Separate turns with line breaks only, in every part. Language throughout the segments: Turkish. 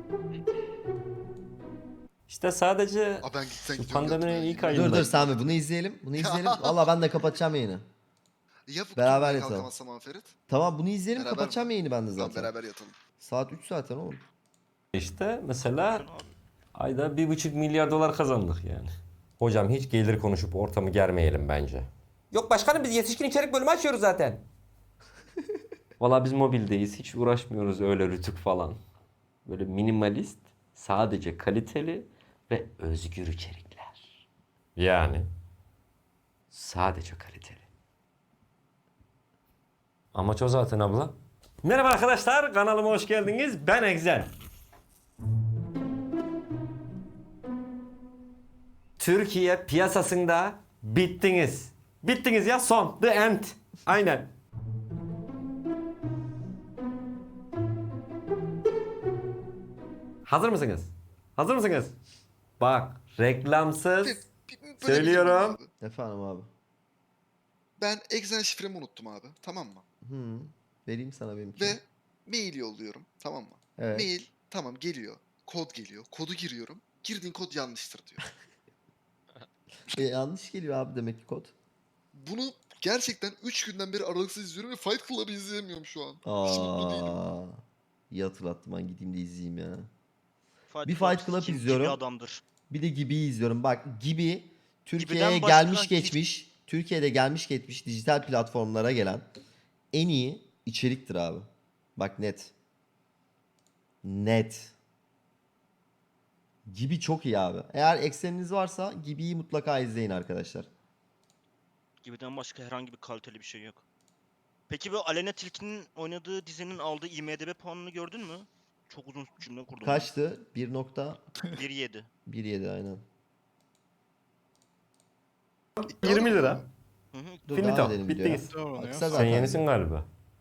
İşte sadece
Aa, ben gitsen
şu
gidiyorum
pandeminin
yatmaya.
ilk ayında.
Dur Sami bunu izleyelim. Bunu izleyelim. Valla ben de kapatacağım yayını.
Ya bu
Beraber
beraber
yatalım.
kalkamazsam ama Ferit?
Tamam bunu izleyelim,
Beraber
kapatacağım
mi?
yayını ben de
Tamam
zaten.
beraber yatalım.
Saat 3 zaten oğlum.
İşte mesela ayda 1,5 milyar dolar kazandık yani. Hocam hiç gelir konuşup ortamı germeyelim bence.
Yok başkanım biz yetişkin içerik bölümü açıyoruz zaten.
Valla biz mobildeyiz. Hiç uğraşmıyoruz öyle rütük falan. Böyle minimalist, sadece kaliteli ve özgür içerikler. Yani sadece kaliteli. Amaç o zaten abla. Merhaba arkadaşlar, kanalıma hoş geldiniz. Ben Egzen. Türkiye piyasasında bittiniz. Bittiniz ya, son. The end. Aynen. Hazır mısınız? Hazır mısınız? Bak, reklamsız
Böyle
söylüyorum.
bir şey abi.
Efendim abi.
Ben Exen şifremi unuttum abi. Tamam mı?
Hı. Vereyim sana benimki.
Ve mail yolluyorum. Tamam mı?
Evet.
Mail tamam geliyor. Kod geliyor. Kodu giriyorum. Girdiğin kod yanlıştır diyor.
Yanlış geliyor abi demek ki kod.
Bunu gerçekten 3 günden beri aralıksız izliyorum ve Fight Club'ı izleyemiyorum şu an. Hiç mutlu değilim.
İyi hatırlattım, ben gideyim de izleyeyim ya.
Fight
Bir Fight Club
kim
izliyorum.
gibi adamdır.
Bir de Gibi'yi izliyorum. Bak Gibi Türkiye'ye
Gibi'den başka
gelmiş
hiç-
geçmiş, Türkiye'de gelmiş geçmiş dijital platformlara gelen en iyi içeriktir abi. Bak net. Net. Gibi çok iyi abi. Eğer ekseniniz varsa Gibi'yi mutlaka izleyin arkadaşlar.
Gibiden başka herhangi bir kaliteli bir şey yok. Peki bu Aleyna Tilki'nin oynadığı dizinin aldığı IMDb puanını gördün mü? Çok uzun cümle kurdum.
Kaçtı? 1.17
1.7.
aynen.
20 lira.
Hı hı.
Dur
Finito.
devam edelim videoya.
Bittiniz.
Kısa
Sen
zaten.
yenisin galiba.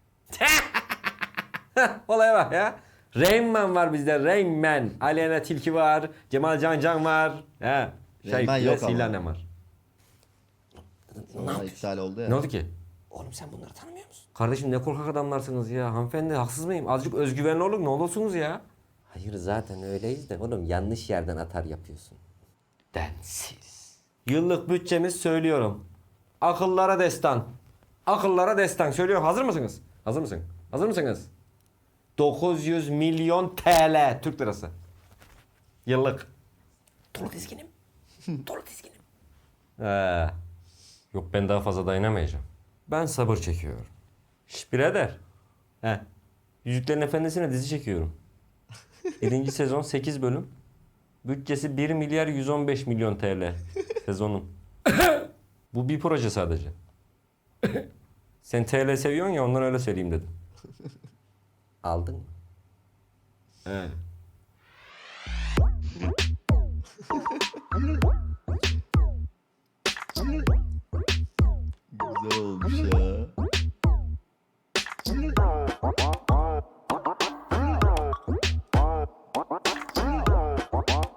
Olaya bak ya. Rain Man var bizde. Rain Man. Aleyna Tilki var. Cemal Can var. He.
Rain Man yok ama.
Silanem var.
Sonra iptal oldu ya.
Ne oldu ki? Oğlum sen bunları tanımıyor musun? Kardeşim ne korkak adamlarsınız ya. Hanımefendi haksız mıyım? Azıcık özgüvenli olun, ne olursunuz ya.
Hayır zaten öyleyiz de oğlum yanlış yerden atar yapıyorsun.
Densiz. Yıllık bütçemiz söylüyorum. Akıllara destan. Akıllara destan. Söylüyorum. Hazır mısınız? Hazır mısın? Hazır mısınız? 900 milyon TL Türk lirası. Yıllık.
Dolu dizginim. Dolu dizginim.
Yok ben daha fazla dayanamayacağım. Ben sabır çekiyorum. Şş birader. He. Yüzüklerin Efendisi'ne dizi çekiyorum. 1. sezon 8 bölüm. Bütçesi 1 milyar 115 milyon TL sezonun. Bu bir proje sadece. Sen TL seviyorsun ya, ondan öyle söyleyeyim dedim.
Aldın mı?
He.
Güzel olmuş ya.